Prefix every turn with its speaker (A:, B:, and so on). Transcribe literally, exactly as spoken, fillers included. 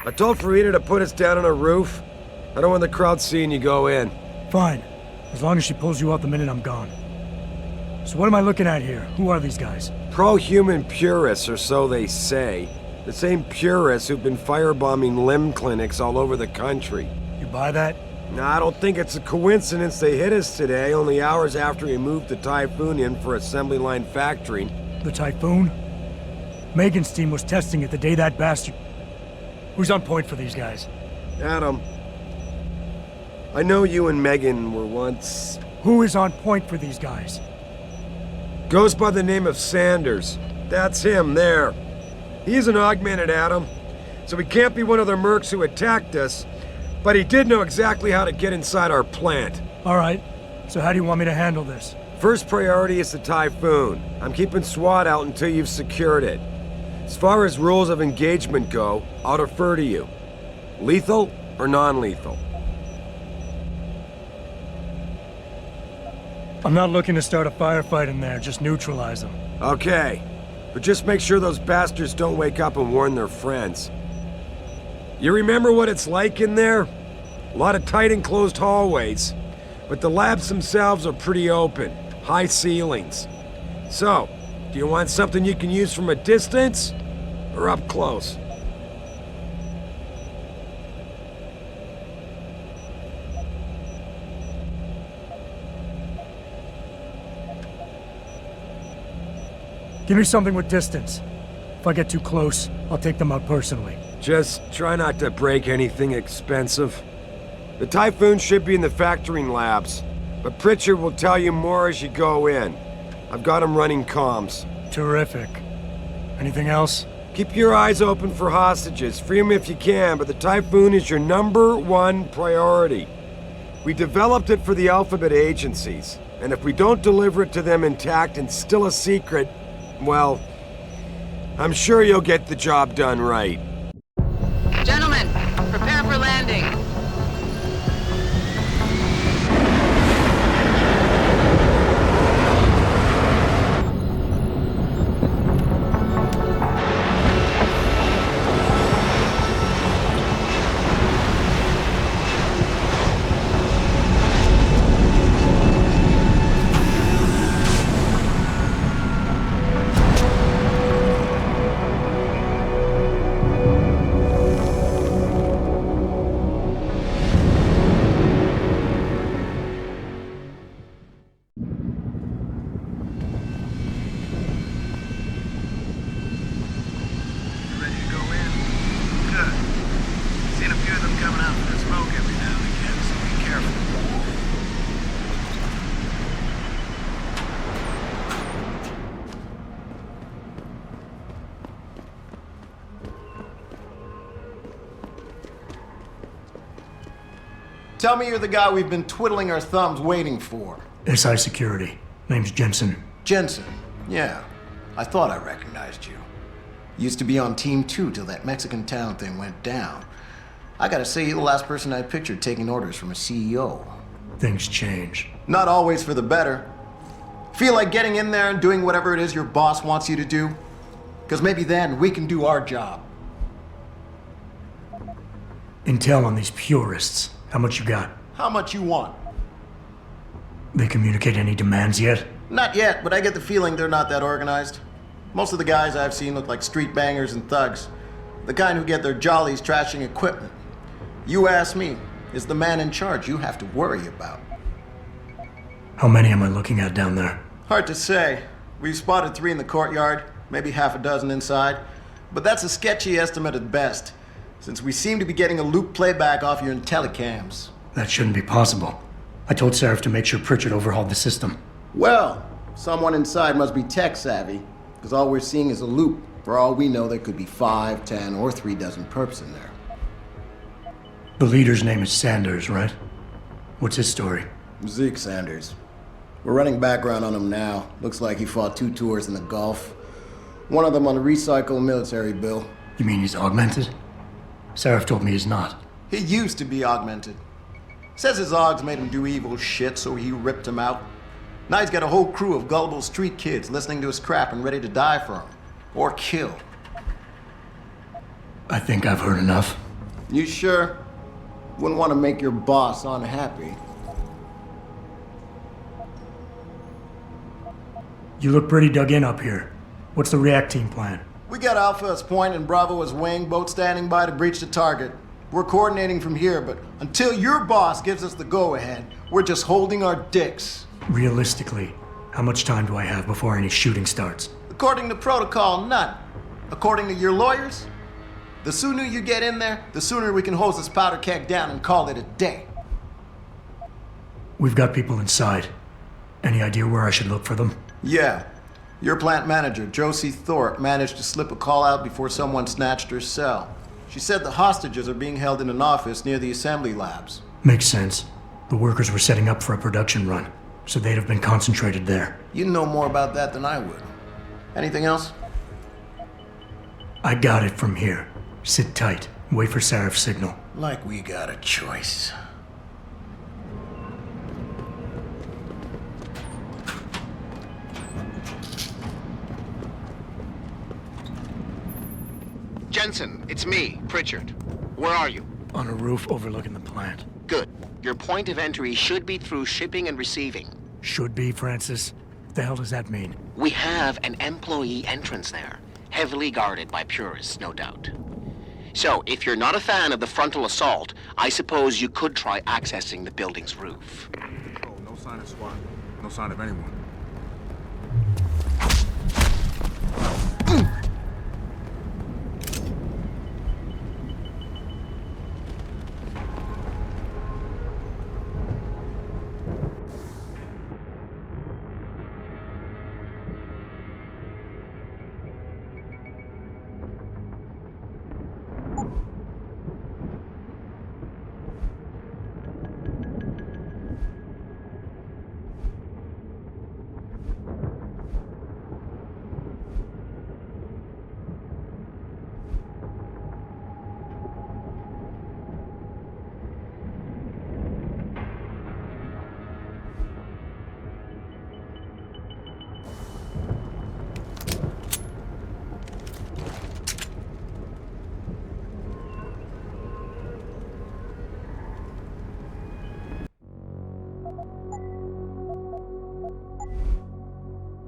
A: I told Farida to put us down on a roof. I don't want the crowd seeing you go in.
B: Fine. As long as she pulls you out the minute I'm gone. So what am I looking at here? Who are these guys?
A: Pro-human purists, or so they say. The same purists who've been firebombing limb clinics all over the country.
B: You buy that?
A: No, I don't think it's a coincidence they hit us today, only hours after we moved the Typhoon in for assembly line factory.
B: The Typhoon? Megan's team was testing it the day that bastard... Who's on point for these guys?
A: Adam, I know you and Megan were once...
B: Who is on point for these guys?
A: Goes by the name of Sanders. That's him, there. He's an augmented Adam, so he can't be one of the mercs who attacked us, but he did know exactly how to get inside our plant.
B: All right, so how do you want me to handle this?
A: First priority is the Typhoon. I'm keeping SWAT out until you've secured it. As far as rules of engagement go, I'll defer to you. Lethal or non-lethal?
B: I'm not looking to start a firefight in there, just neutralize them.
A: Okay, but just make sure those bastards don't wake up and warn their friends. You remember what it's like in there? A lot of tight enclosed hallways, but the labs themselves are pretty open, high ceilings. So, do you want something you can use from a distance, or up close?
B: Give me something with distance. If I get too close, I'll take them out personally.
A: Just try not to break anything expensive. The Typhoon should be in the factoring labs, but Pritchard will tell you more as you go in. I've got him running comms.
B: Terrific. Anything else?
A: Keep your eyes open for hostages. Free them if you can, but the Typhoon is your number one priority. We developed it for the Alphabet agencies, and if we don't deliver it to them intact and still a secret, well, I'm sure you'll get the job done right.
C: Gentlemen, prepare for landing.
D: Tell me you're the guy we've been twiddling our thumbs waiting for.
B: S I Security. Name's Jensen.
D: Jensen. Yeah. I thought I recognized you. Used to be on Team two till that Mexican town thing went down. I gotta say, you're the last person I pictured taking orders from a C E O.
B: Things change.
D: Not always for the better. Feel like getting in there and doing whatever it is your boss wants you to do? Because maybe then we can do our job.
B: Intel on these purists. How much you got?
D: How much you want?
B: They communicate any demands yet?
D: Not yet, but I get the feeling they're not that organized. Most of the guys I've seen look like street bangers and thugs. The kind who get their jollies trashing equipment. You ask me, is the man in charge you have to worry about.
B: How many am I looking at down there?
D: Hard to say. We've spotted three in the courtyard, maybe half a dozen inside. But that's a sketchy estimate at best, since we seem to be getting a loop playback off your IntelliCams.
B: That shouldn't be possible. I told Sarif to make sure Pritchard overhauled the system.
D: Well, someone inside must be tech savvy, because all we're seeing is a loop. For all we know, there could be five, ten, or three dozen perps in there.
B: The leader's name is Sanders, right? What's his story?
D: Zeke Sanders. We're running background on him now. Looks like he fought two tours in the Gulf. One of them on a recycled military bill.
B: You mean he's augmented? Sarif told me he's not.
D: He used to be augmented. Says his augs made him do evil shit, so he ripped him out. Now he's got a whole crew of gullible street kids listening to his crap and ready to die for him. Or kill.
B: I think I've heard enough.
D: You sure? Wouldn't want to make your boss unhappy.
B: You look pretty dug in up here. What's the react team plan?
D: We got Alpha as point and Bravo as wing, both standing by to breach the target. We're coordinating from here, but until your boss gives us the go-ahead, we're just holding our dicks.
B: Realistically, how much time do I have before any shooting starts?
D: According to protocol, none. According to your lawyers, the sooner you get in there, the sooner we can hose this powder keg down and call it a day.
B: We've got people inside. Any idea where I should look for them?
D: Yeah. Your plant manager, Josie Thorpe, managed to slip a call out before someone snatched her cell. She said the hostages are being held in an office near the assembly labs.
B: Makes sense. The workers were setting up for a production run, so they'd have been concentrated there.
D: You know more about that than I would. Anything else?
B: I got it from here. Sit tight. Wait for Sarif's signal.
D: Like we got a choice.
E: Jensen, it's me, Pritchard. Where are you?
B: On a roof overlooking the plant.
E: Good. Your point of entry should be through shipping and receiving.
B: Should be, Francis. What the hell does that mean?
E: We have an employee entrance there, heavily guarded by purists, no doubt. So, if you're not a fan of the frontal assault, I suppose you could try accessing the building's roof.
F: Oh, no sign of SWAT. No sign of anyone.